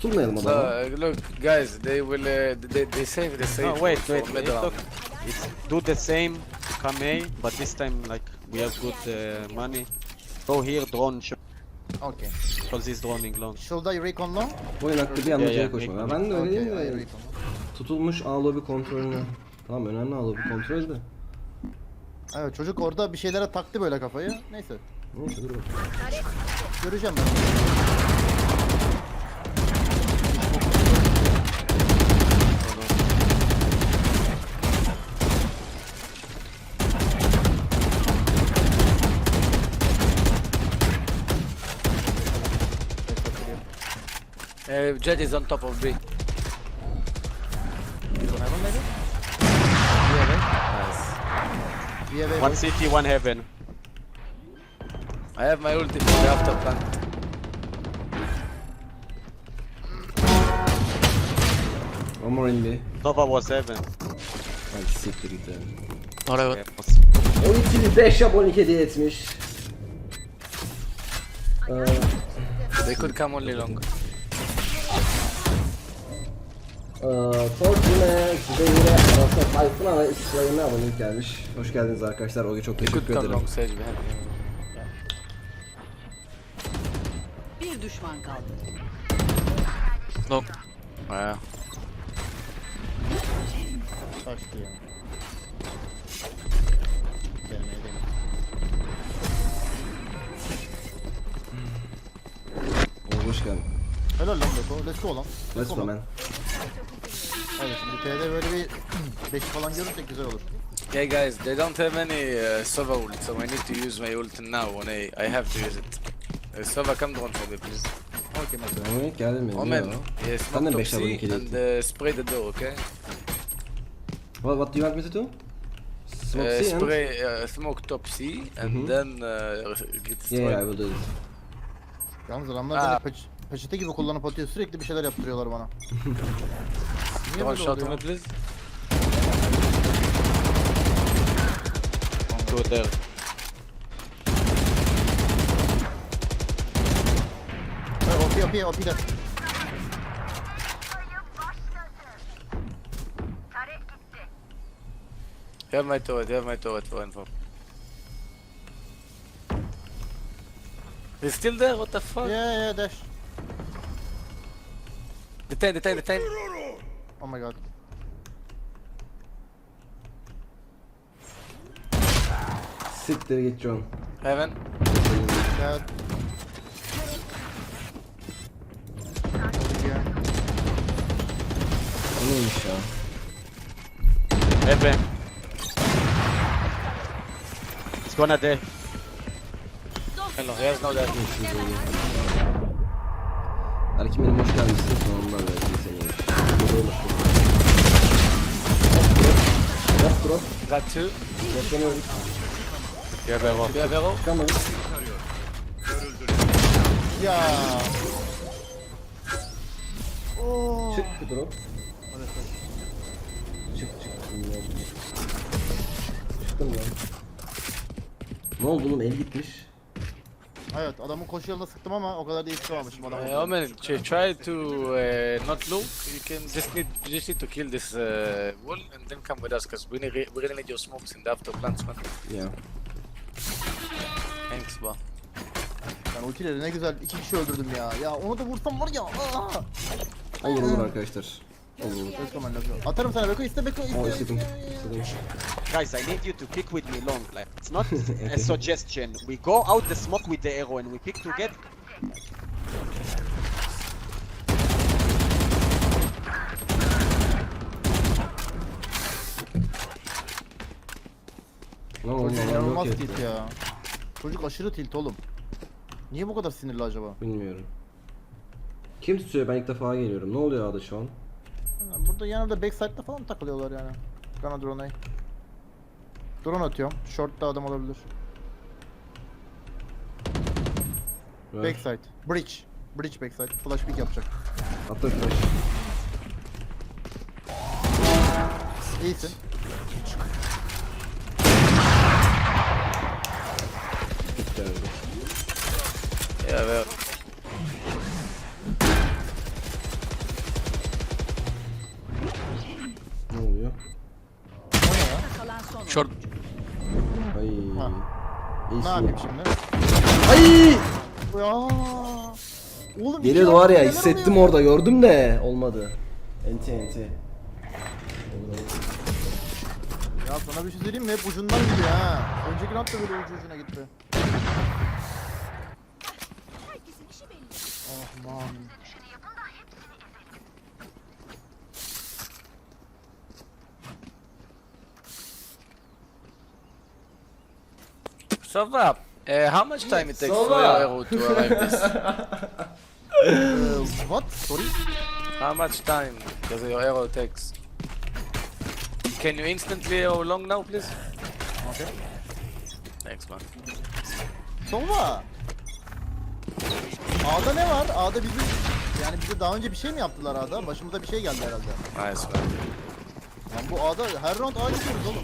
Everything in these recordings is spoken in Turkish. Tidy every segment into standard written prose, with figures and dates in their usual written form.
Tutulmayalım adama. Look, guys, they will they save the safe. No, wait, for mid round. look. It's do the same, come A, but this time like we have good money. Go here, drone shot, Okay. because he's droning long. Should I recon long? Oyun hakkı bir anda Yeah, C'ye yeah, koşma. make- Ben de öyle Okay, I değilim de. recon. Tutulmuş A lobby kontrolünü. Tamam, önemli A lobby kontrolü de. Evet, çocuk orada bir şeylere taktı böyle kafayı. Neyse. Neyse dur bakalım. Göreceğim ben. Jet is on top of B. Nice. One city, one heaven. I have my ulti for the after plant. One more in B. Nova was heaven. Hadi siktir git yani. Alright. Yeah, was- 12 5 abonelik hediye etmiş. They could come only long. Fortune, Zübeyir'e, Aras'a, Tayfun'a ve İsrail'e abonelik gelmiş. Hoş geldiniz arkadaşlar. Oge çok They could teşekkür come ederim. long Sage behind. Bir düşman kaldı. Long. Yeah. Kaçtı ya. Gelmeye değil. Oge hoş geldin. Helal lan Beko. Let's go lan. Let's go man. Evet, şimdi T'de böyle bir 5 falan görürsek güzel olur. Yeah, guys, they don't have any Sova ult, so I need to use my ult now when I have to use it. Sova, come drone for me, please. Okey mesela. Abonelik geldi mi? Omen, Yo. yeah, Ben smoke de top 5 abonelik C hediye and ettim. spray the door, okay? What do you want me to do? Smoke C and... Spray smoke top C and then get destroyed. Yeah, I will do it. Yalnız adamlar beni peçete gibi kullanıp atıyor. Sürekli bir şeyler yaptırıyorlar bana. Niye Drone böyle shot oluyor? me, please. Go there. OP de. You have my turret for info. He's still there, what the fuck? Yeah, dash. Detain. Oh my god. Siktir git John. Heaven. Gel. O neymiş ya? Heaven. It's gonna die. Hello, he has no death. Erkin benim hoş gelmişsin. Sonunda verdim seni. Drop drop. Got two. Droplanıyorum. Yeah, Vero. Do you have arrow? Çıkamadım. Ya. Oo. Çık bir drop. Çık. Çıktım lan. Ne oldu oğlum, el gitmiş. Evet, adamın koşu yoluna sıktım ama o kadar da iyi sıkamamışım adamı. Omen, try to not look. You can just need to kill this wall and then come with us, cause we really need your smokes in the after plants, man. Ya. Thanks, bro. Ben ultileri ne güzel 2 kişi öldürdüm ya. Ya onu da vursam var ya. Olur arkadaşlar. Olur. Let's go man, let's go. Atarım sana Beko, iste Beko, O iste. istedim. Guys, I need you to pick with me long. Like, it's not a suggestion. We go out the smoke with the arrow and we pick together. Lan oğlum, Çocuk adam inanılmaz yok tilt etti. ya. Çocuk aşırı tilt oğlum. Niye bu kadar sinirli acaba? Bilmiyorum. Kim tutuyor? Ben ilk defa geliyorum. Ne oluyor A'da şu an? Burada yanımda backside'da falan takılıyorlar yani. Bana drone'u. Drone atıyorum. Short'ta adam olabilir. Ver. Backside. Bridge. Bridge backside. Flash pick yapacak. Atla flash. İyisin. Gitti abi. Yeah, well. Ay. Ha. İyisin. Ne yapayım şimdi? Ay! Ya. Oğlum Geliyordu iki var ya, neler hissettim oluyor? orada, gördüm de olmadı. Enti enti. Ya sana bir şey söyleyeyim mi? Hep ucundan gidiyor ha. Önceki round da böyle ucu ucuna gitti. Oh man. So Vap, how much time it takes So for your Vap. arrow to arrive this? What? Sorry? How much time does your arrow takes? Can you instantly arrow long now, please? Okay. Thanks, man. Sova. A'da ne var? A'da bizim yani bize daha önce bir şey mi yaptılar A'da? Başımıza bir şey geldi herhalde. Nice, man. Lan bu A'da her round A gidiyoruz oğlum.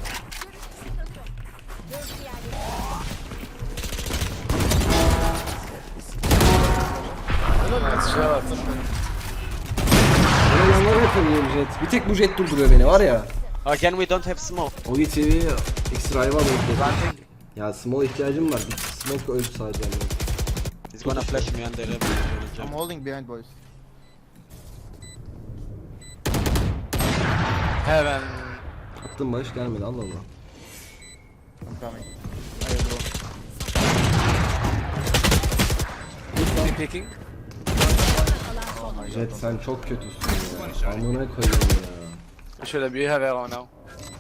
Helal lan. Nice shot. Böyle yanlara yapıyorum jet. Bir tek bu jet durduruyor beni var ya. Again, we don't have smoke. Ogi TV ekstra ayva bekliyor. Ya small ihtiyacım var. Bir smoke öldü sadece. Yani. He's gonna flash me under every I'm jump. holding behind boys. Heaven. Attım barış gelmedi, Allah Allah. I'm coming. Hey bro. Be picking. Jet sen çok kötüsün ya. Amına koyayım ya. Should you have arrow now?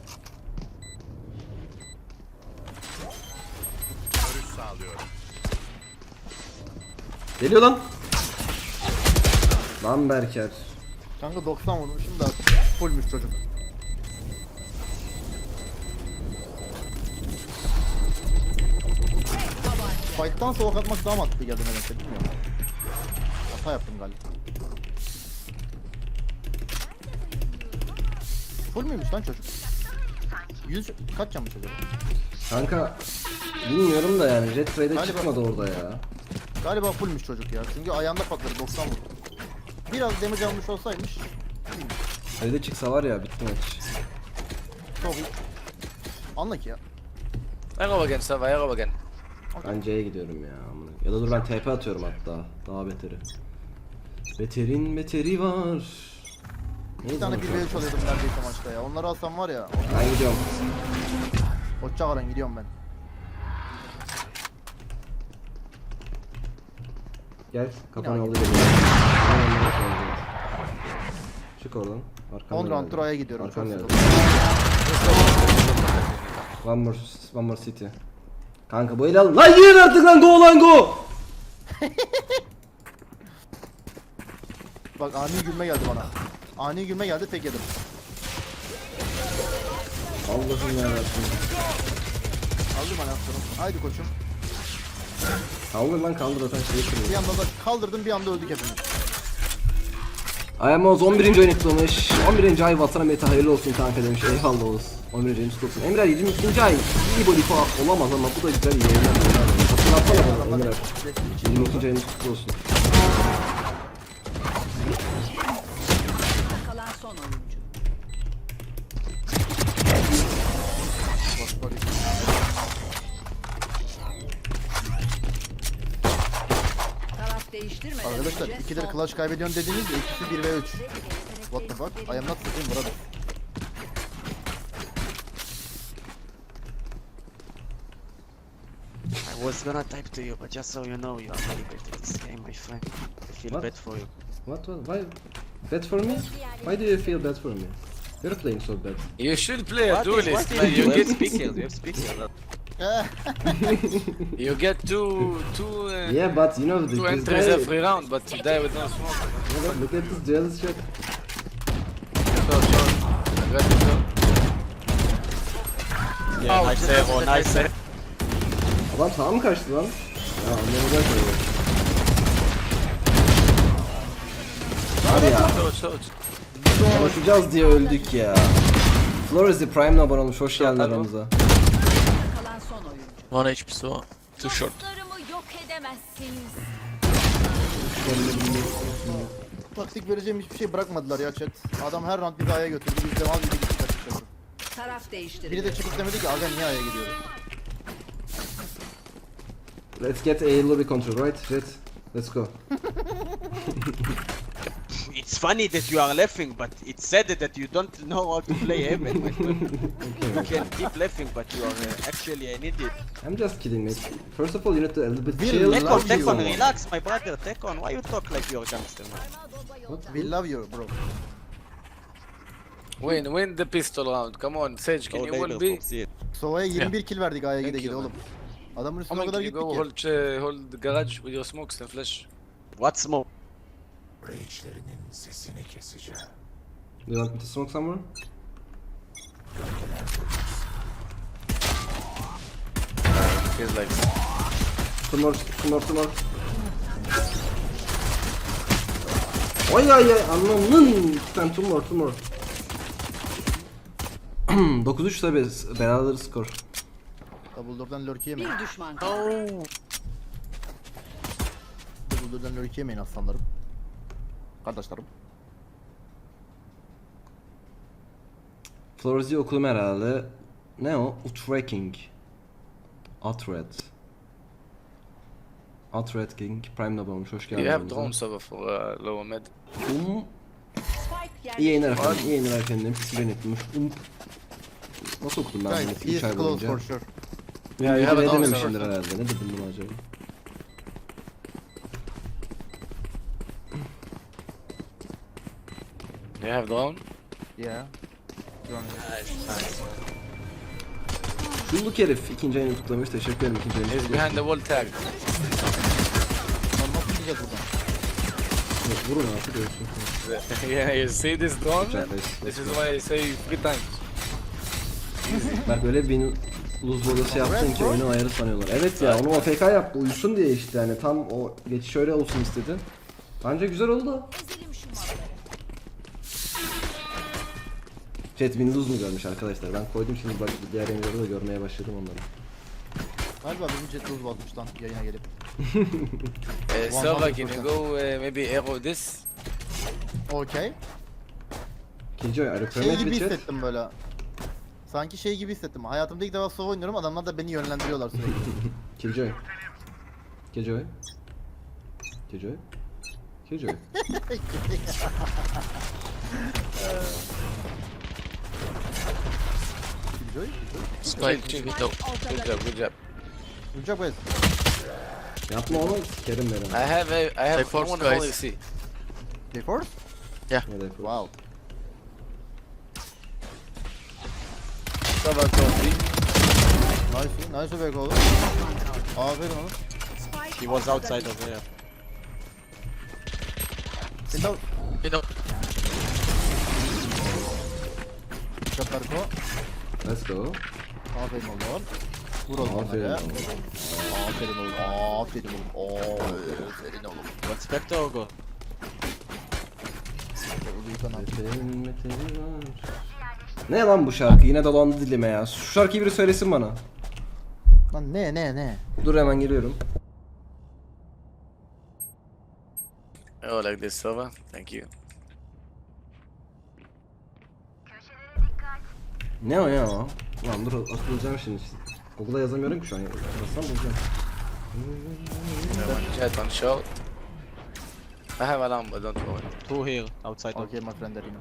Geliyor lan. Lan Berker. Kanka 90 vurmuşum da fullmüş çocuk. Fight'tan soğuk atmak daha mantıklı geldi nedense bilmiyorum. Hata yaptım galiba. Full müymüş lan çocuk? 100 kaç canmış acaba? Kanka bilmiyorum da yani jet trade'e Galiba- çıkmadı orada ya. Galiba fullmüş çocuk ya. Çünkü ayağında patladı 90 vurdu. Biraz damage almış olsaymış Trade'e çıksa var ya bitti maç. çok iyi. Anla ki ya. Arrow again, Sava, arrow again. Ben C'ye gidiyorum ya. amına. Ya da dur ben TP atıyorum hatta. Daha beteri. Beterin beteri var. Bir Neydi tane lan 1 şu? v 3 alıyordum neredeyse maçta ya. Onları alsam var ya. Ben gidiyorum. Hoşçakalın gidiyorum ben. Gel kafanı Yine aldı Çık oradan. 10 round'dur A'ya gidiyorum. Arkan Çok geldi. sıkıldım. One more city. Kanka bu eli al. Lan yiyin artık lan, go lan go. Bak ani gülme geldi bana. Ani gülme geldi tek yedim. Allah'ım yarabbim. Aldım anahtarım. Haydi koçum. Kaldır lan, kaldır zaten şeyi Bir kırıyor. anda da kaldırdım bir anda öldük hepimiz. Ayamoz 11. oyun kutlamış. 11. ay vatana meta hayırlı olsun kanka demiş. Eyvallah olsun. 11. ayın kutlu olsun. Emre 22. ay iyi body falan olamaz ama bu da güzel iyi yayınlar. Hatırlatsana bana Emre. 22. ayın kutlu olsun. Kalan son oyuncu. Bak bak. Taraf değiştirmeden Arkadaşlar önce ikidir son- clutch kaybediyorsun dediniz de ikisi 1 ve 3. What the fuck? I am not sitting brother. I was gonna type to you, but just so you know, you are very bad at this game, my friend. I feel What? bad for you. What? Why? Bad for me? Why do you feel bad for me? You're playing so bad. You should play a What is- duelist, what man. is- You we have get, speakers, we have speakers. you get two Yeah, but you know this entries guy. every round, but you die with no smoke. Yeah, but look at this jealous shit. Short. Aggressive short. Yeah, nice arrow, nice arrow. Adam sağa mı kaçtı lan? Ya anlamadan koyuyor. Abi ya. Short, short. Konuşacağız diye öldük ya. Flores the Prime'le abone olmuş. Hoş geldin aramıza. Kalan son oyuncu. One HP'si var. Too short. Dostlarımı yok edemezsiniz. Taktik vereceğim hiçbir şey bırakmadılar ya chat. Adam her round bir A'ya götürdü. Biz de mal gibi gittik açıkçası. Taraf değiştirildi. Biri de çıkıp demedi ki aga niye A'ya gidiyoruz? Let's get A lobby control, right? Jet. Let's go. It's funny that you are laughing, but it's sad that you don't know how to play Heaven. My friend. You can keep laughing, but you are actually an idiot. I'm just kidding, mate. First of all, you need to a little bit Will chill. love Tekon, you. Tekon, relax, my brother. Tekon, why you talk like you're a gangster, man? We love you bro. Win the pistol round. Come on, Sage, can Oh, you later, hold B? Fox, yeah. Sova'ya 21 kill verdik A'ya Thank gide gide you, oğlum. Adamın üstüne Omen, o kadar can you gittik go ki. hold the garage with your smokes and flash? What smoke? Do you want me to smoke somewhere? Feels like Two more. Ay anlamın. Sen two more. 9-3 tabi beraber skor. Double door'dan lurk yemeyin. Bir düşman kaldı. Double door'dan lurk yemeyin aslanlarım. Kardeşlerim. Flores'i okudum herhalde. Ne o? Utracking. Atred King. Prime'da olmuş. Hoş geldin. you have drone server for lower mid. Spike İyi yayınlar yerleştirildi. efendim. İyi yayınlar efendim. Pisilen etmiş. Nasıl okudum ben bunu? Guys, 3 he ay is close boyunca. for sure. Yeah, you have Ne a drone dememişimdir server. herhalde. Ne dedim bunu acaba? You have drone? Yeah. Şulluk herif ikinci ayını kutlamış. Teşekkür ederim ikinci ayını He's kutlamış. behind the wall tag. Lan nasıl gideceğiz buradan? Vurun artık ölsün. Yeah, you see this drone? Güzel, This is why I say 3 times. Bak böyle bir luz bodası yaptın ki oyunun ayarı sanıyorlar. Evet ya onu AFK yaptı uyusun diye işte yani tam o geçiş öyle olsun istedi. Bence güzel oldu. Ezelim şu malları. Chat Windows mu görmüş arkadaşlar? Ben koydum şimdi bak diğer yayınları da görmeye başladım onları. Galiba bizim jet lose basmış lan yayına gelip. Server, can you go maybe arrow this? Okey. Killjoy, are you Şey permit gibi with chat? hissettim böyle. Sanki şey gibi hissettim. Hayatımda ilk defa Sova oynuyorum. Adamlar da beni yönlendiriyorlar sürekli. Killjoy. Killjoy. Killjoy. Killjoy. Killjoy. Spike, good job. Good job. Uçak bez. Yapma onu sikerim beni. I have force, one guys. policy. Force? Ne de yapalım. Wow. Server drone Nice back oğlum. Aferin oğlum. Spike He was outside over here. Window. You know, Uçak Berko. Let's go. Aferin oğlum. Vur oğlum Aferin onlara. oğlum. Aferin oğlum. Aferin oğlum. Aferin oğlum. What Spectre or go? Ne lan bu şarkı? Yine dolandı dilime ya. Şu şarkıyı biri söylesin bana. Lan ne? Dur hemen geliyorum. Oh, like this server. Thank you. Ne o ya o? Lan dur atılacağım şimdi. Google'a yazamıyorum ki şu an. Yazsam bulacağım. One jet, one short. I have alarm, but don't worry. Two here, outside. Okay my friend Arino.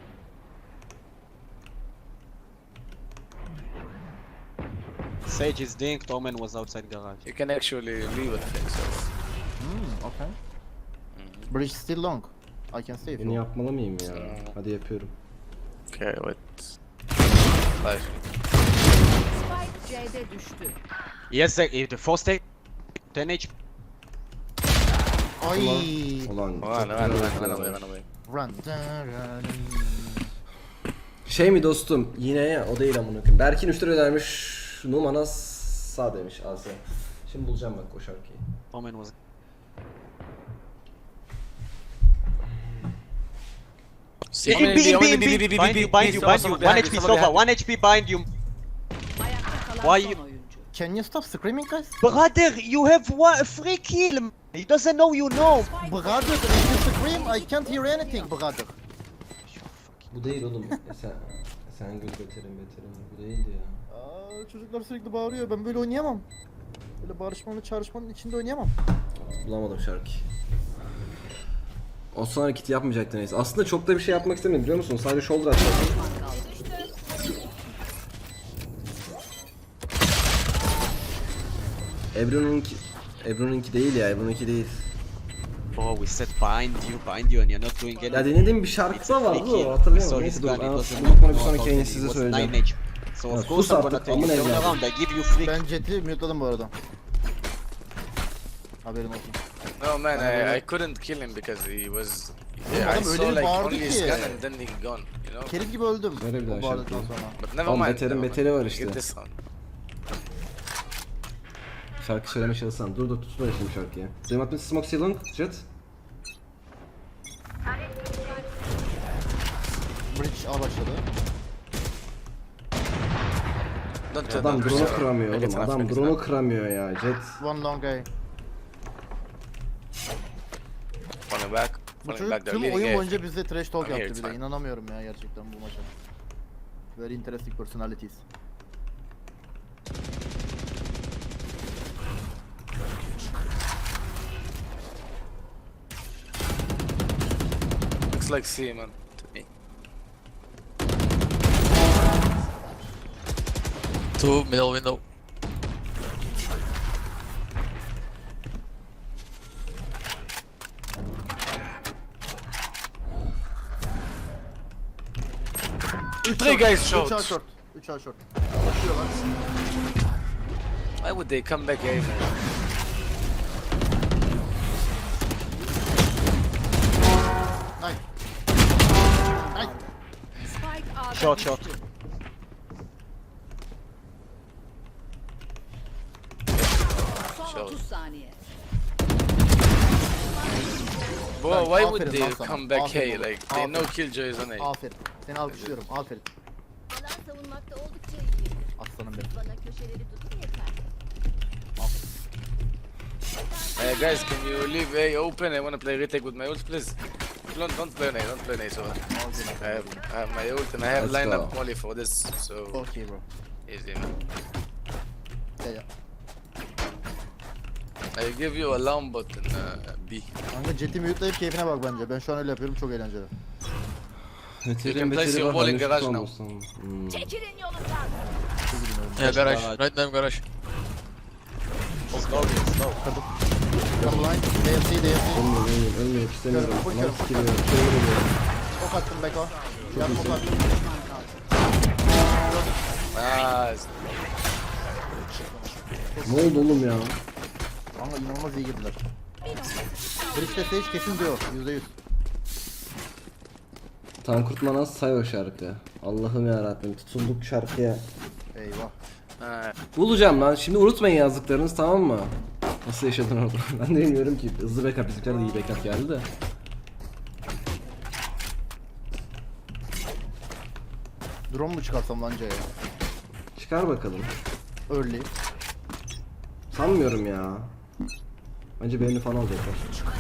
Sage is dinked, Omen was outside garage. You can actually leave it, I think so. Okay. Bridge still long. I can see if Beni you. yapmalı mıyım ya? Hadi yapıyorum. Okay, wait. Five. Spike C'de düştü. Yes, the first take 10 HP. Ay. Ulan çok Run, güzel run, run, yaptılar run away, ama. run away. Run. Run. Şey mi dostum? Yine ya o değil amına koyayım. Berkin 3 lira vermiş. Numana sağ demiş Asya. Şimdi bulacağım bak o şarkıyı. Omen was. see, Omen, In B, in B, Omen, in B, B. B, B, Bind B, you, B, bind you, Sova, bind you. Sova 1 behind HP you, Sova Sova, behind 1 HP bind you. Ayakta kalan Why son you- oyuncu. Can you stop screaming guys? Brother, you have one free kill. He doesn't know you know. Brother, if you scream I can't hear anything brother. Bu değil oğlum. Sen gül beterim. Bu değildi ya. Aa, çocuklar sürekli bağırıyor. Ben böyle oynayamam. Böyle bağırışmanın, çağrışmanın içinde oynayamam. Bulamadım şarkı. O son hareketi yapmayacaktı neyse. Aslında çok da bir şey yapmak istemedim biliyor musun? Sadece shoulder atacaktım. Ebru'nunki değil ya, Ebru'nunki değil. Oh, we said bind you and you're not doing anything. Ya denediğim bir şarkı It's da a vardı free kill. o, We hatırlayamadım. saw Neyse his dur, gun, it ben was a bunu bir sonraki no, yayını it size was söyleyeceğim. 9 HP. So Ya of sus course I'm gonna artık, tell you, amına turn evladım. around, I give you free. Ben Jet'i mute'ladım bu arada. Haberin olsun. No man, Ben I couldn't kill him because he was. Oğlum I adam saw öyle bir like bağırdı only his ki. gun and then he gone. You know. Kerim gibi öldüm. Öyle bir daha O bağırdıktan şarkı. sonra. But never Oğlum mind. beterin never beteri var mind. işte. Get this one. Şarkı söylemeye çalışsam. Dur tutma şimdi şarkıyı. Duymak mı? Smoke Ceiling, Jet. Bridge A başladı. Don't Adam drone'u kıramıyor Make it oğlum. enough, Adam make it drone'u enough. kıramıyor ya. Jet. One long A. Falling back. Bu Falling çocuk back. They're tüm leading oyun A. boyunca bize trash talk I'm here, yaptı it's bir de. fine. İnanamıyorum ya gerçekten bu maça. Very interesting personalities. Looks like C, man. To me. Two middle window. Three guys 3 A short. short. 3 A short. Why would they come back A, man? Nice. Nice. Spike A'da Short, düştü. short. Son Short. 30 saniye. Bro, why would Aferin they lan sana. come back A? Aferin oğlum. Like, they know Aferin. killjoys on A. Aferin. Seni alkışlıyorum. Aferin. Alan savunmakta oldukça iyi. Aslanım benim. Bana köşeleri tutun yeter. Guys, can you leave A open? I wanna play retake with my ult, please. Don't play on A, don't play on A, so I have my ult and I have Let's lineup go. molly for this, so Okay bro. easy, man. Ya ya. I give you alarm bot in B. Kanka Jet'i mute'layıp keyfine bak bence. Ben şu an öyle yapıyorum. Çok eğlenceli. Beterin place beteri your var. wall in henüz garage tutamazsın. Çekilin yolundan. Yeah, garage. Right now, garage. Come line. DFC. Ölmüyor istemiyorum. Full Lan körüm. sikiliyor. Çeviriyor. Ok attım Beko. Yardım ok attım. Nice. Ne oldu oğlum ya? Kanka inanılmaz iyi girdiler. Bridge'de Sage kesin diyor. %100. Tankurt Manas say o şarkı. Allah'ım yarabbim tutunduk şarkıya. Eyvah. Bulacağım lan. Şimdi unutmayın yazdıklarınız, tamam mı? Nasıl yaşadın orada? Ben de bilmiyorum ki. Hızlı backup, bizimkiler de iyi backup geldi de. Drone mu çıkarsam lan C'ye? Çıkar bakalım. Early. Sanmıyorum ya. Bence beğeni falan alacaklar.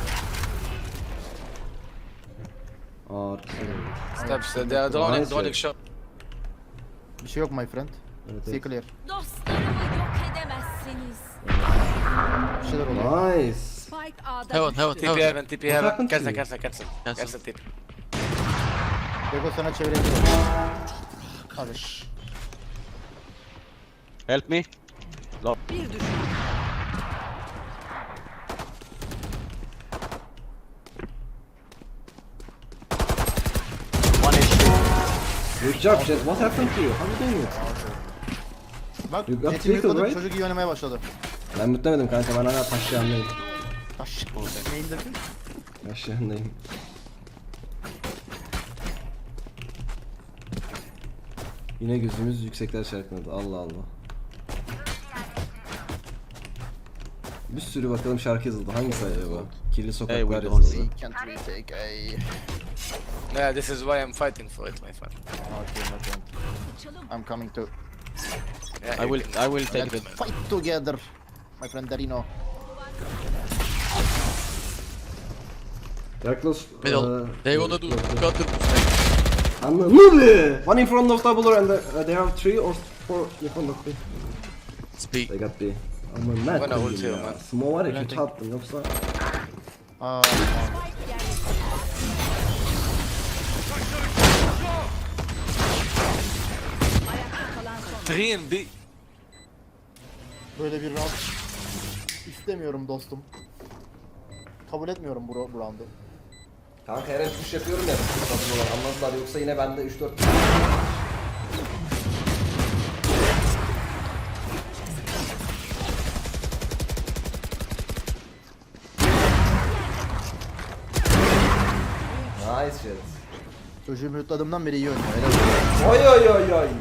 Arkası. Steps, they are droning, Nice. droning shot. Bir şey yok my friend. Evet, See evet. clear. Dostlarımı yok edemezsiniz. Bir şeyler oluyor. Nice. Spike A'da Heaven, düştü. heaven, TP heaven. heaven, TP heaven. happened to Cancel, you? cancel, cancel. Cancel. Cancel TP. Beko sana çevirebilir. Hadi. Help me. Bir düşman. One HP. Good job Jet. What happened to you? How you doing it? Bak You got Jet'i trickle, mute'ladım, right? çocuk iyi oynamaya başladı. Ben mutlemedim kanka. Ben hala taş yanındayım. Taş. Neyin dedin? Taş yanındayım. Yine gözümüz yüksekler şarkıladı. Allah Allah. Bir sürü bakalım şarkı yazıldı. Hangisi acaba? Kirli Hey, sokaklar we don't yazıldı. Can't retake A. Yeah, this is why I'm fighting for it, my friend. Okay, my friend. I'm coming to. Yeah, I you will can- take Let's them. fight together. My friend Darino. Yaklos. Middle. They wanna do counter. Anladın mı? One in front of double door and they have 3 or 4 in front of B. Speak. They got B. Ama net Bana koydum ulti ya. yok lan. Smoke var ya kötü attım yoksa. Aa, Ayakta kalan son. 3 and B. böyle bir round istemiyorum dostum. Kabul etmiyorum bu roundu. Kanka her el push yapıyorum ya. Double door anladılar yoksa yine bende 3-4. Nice shit. Çocuğu mute'ladığımdan beri iyi oynuyor. Helal olsun. Oy oy oy oy.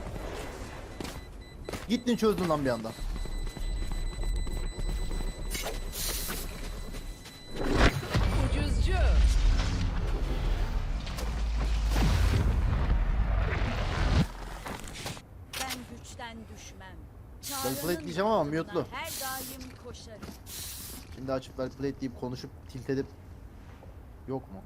Gittin çözdün lan bir anda. Ucuzcu. Ben güçten düşmem. Ben plate diyeceğim ama mute'lu. Her daim koşarım. Şimdi açıp well played deyip konuşup tilt edip yok mu?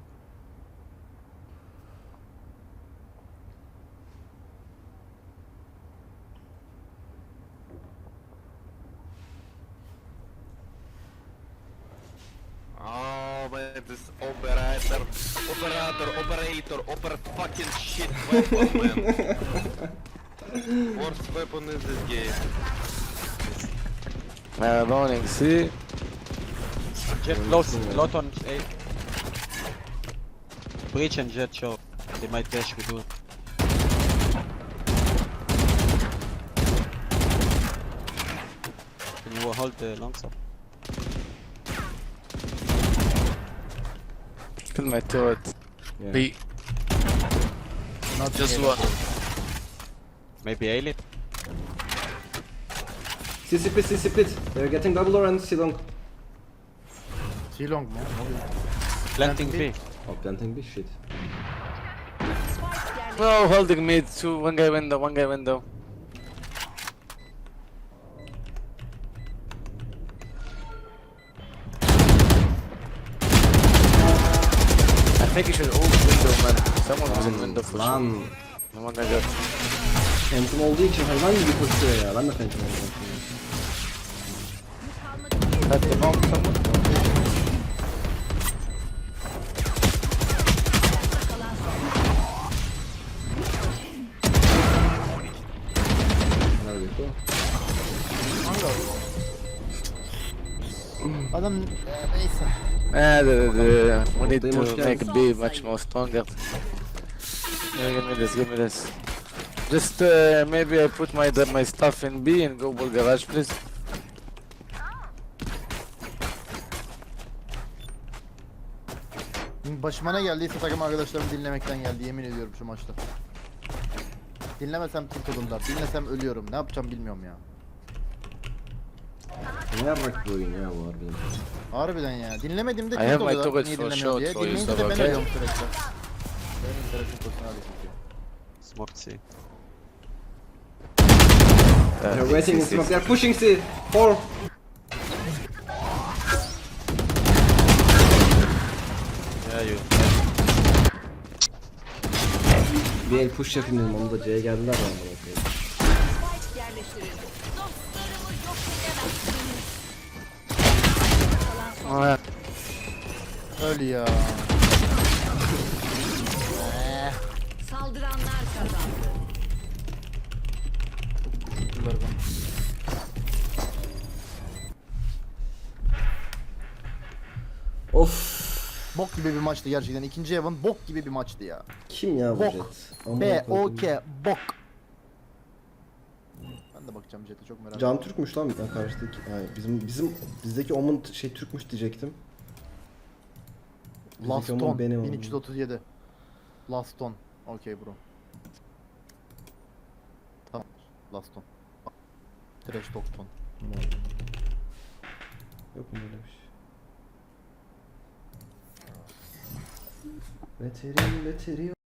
Oh man, this operator, opera fucking shit weapon, man. Worst weapon in this game. Morning, C. Jet close, lot on A. Breach and jet show. They might dash with you. Can you hold the long stop? Kill my turret. Yeah. B. Not Just yet. one. Maybe A-lit? C split, C split. They're getting double door and C long. T-long mu? Ne oluyor? Planting B. Oh, planting B shit. Spike yerleştirildi. No, holding mid. Two, one guy window, one guy window. I think you should hold window, man. Someone was in window for sure. Lan. No one got. Phantom olduğu için hayvan gibi koşuyor ya. Ben de Phantom oldum. Cut them off, someone. Helal Beko. Adam neyse. We need They must to make B much more stronger. Yeah, give me this. Just maybe I put my stuff in B and go ball garage, please. Başıma ne geldiyse takım arkadaşlarımı dinlemekten geldi yemin ediyorum şu maçta. Dinlemesem tilt olurlar, dinlesem ölüyorum. Ne yapacağım bilmiyorum ya. Ne yapmak bu oyun ya bu harbiden. Harbiden ya. Dinlemediğimde I tilt have my oluyorlar. turret Niye for dinlemiyor short diye. for you, Dinleyince de so ben okay. ölüyorum sürekli. Benim internetim kursuna hadi çekiyor. Smoked C. They're waiting in smoke. They're pushing C. 4. Yeah, you. Bir el push yapayım dedim. Onu da C'ye geldiler ya. amına koyayım. Spike yerleştirildi. Dostlarımı yok edemezsiniz. Kalan son. Öl ya. Saldıranlar kazandı. Bunları ben. Of. Bok gibi bir maçtı gerçekten. İkinci Evan bok gibi bir maçtı ya. Kim ya bu Bok. Jet? Amına B, O, koydum. K, bok. Ben de bakacağım Jet'e çok merak Can ediyorum. Türkmüş lan bir tane karşıdaki. Hayır bizdeki Omen şey Türkmüş diyecektim. Last Bizdeki Omen Ton, benim Omen. 1337. Last Ton. Okey bro. Tamam. Last Ton. Trash Talk Ton. Yok mu böyle bir şey? Veterin